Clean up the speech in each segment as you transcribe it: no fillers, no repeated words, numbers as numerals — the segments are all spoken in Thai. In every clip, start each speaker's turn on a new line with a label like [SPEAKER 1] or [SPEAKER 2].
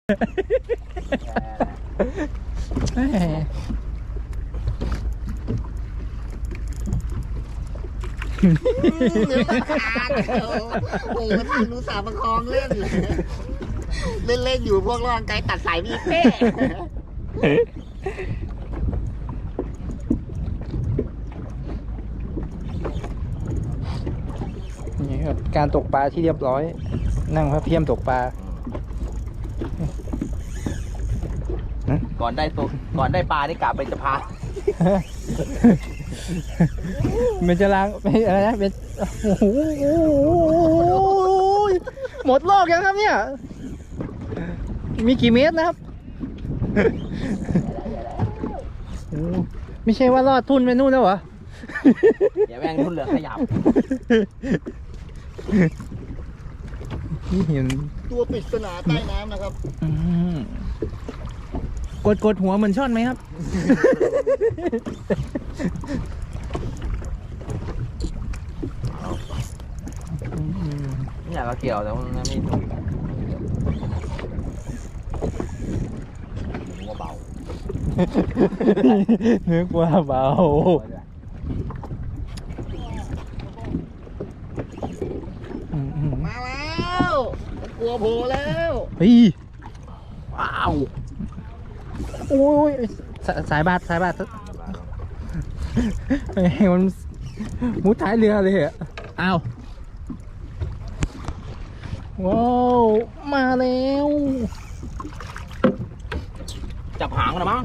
[SPEAKER 1] แหม
[SPEAKER 2] เหลือตาขาดโอ้โหมันรู้สาประคองเล่นเลยเล่นอยู่พวกร่างกายตัดสายมีเป้
[SPEAKER 1] นี่ครับการตกปลาที่เรียบร้อย นั่งพระเพียมตกปลา
[SPEAKER 3] ก่อนได้ปลาได้กลับไปจะพา
[SPEAKER 1] มันจะล้างไม่อะไรนะเป็นโอ้โหหมดรอบยังครับเนี่ย มีกี่เมตรนะครับโอ้ไม่ใช่ว่ารอดทุ่นไปนู่นแล้วเหรอ
[SPEAKER 3] อย่าแม่งทุ่นเหลือขยับ
[SPEAKER 1] นี่เห็น
[SPEAKER 2] ตัวปริศนาใต้น้ำนะครับ
[SPEAKER 1] กดหัวเหมือนช่อนไหมครับ
[SPEAKER 3] ไม่อยากเอาเกี่ยวแต่ว่ามันไม่ถูกว่าเบา
[SPEAKER 1] นึกว่าเบา
[SPEAKER 2] มาแล้วกลัวโผล่แล้ว
[SPEAKER 1] เฮ้ย
[SPEAKER 3] ว้าว
[SPEAKER 1] โอ้ยสายบาดเฮ้ยมันมุดท้ายเรือเลยอ่ะอ้าวว้าวมาแล้ว
[SPEAKER 3] จับหางนะมั้ง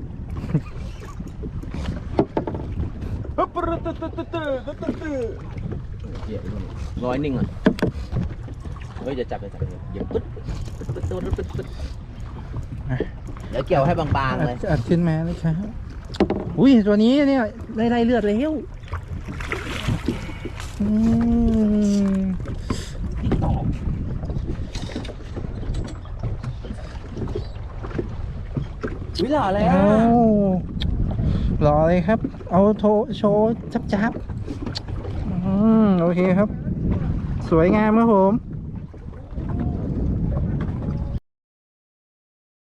[SPEAKER 3] ร้อยนิ่งอ่ะเฮ้ยจะจับอย่าปึ๊ดเดี๋ยวเกี่ยวให้บางๆเลย
[SPEAKER 1] อัดขึ้นมาเลยครับอุ้ยตัวนี้เนี่ยไล่เลือดแล้ว
[SPEAKER 3] วิลาเลย
[SPEAKER 1] อ้าวรอเลยครับ เอาโชว์จับโอเคครับ สวยงามครับผม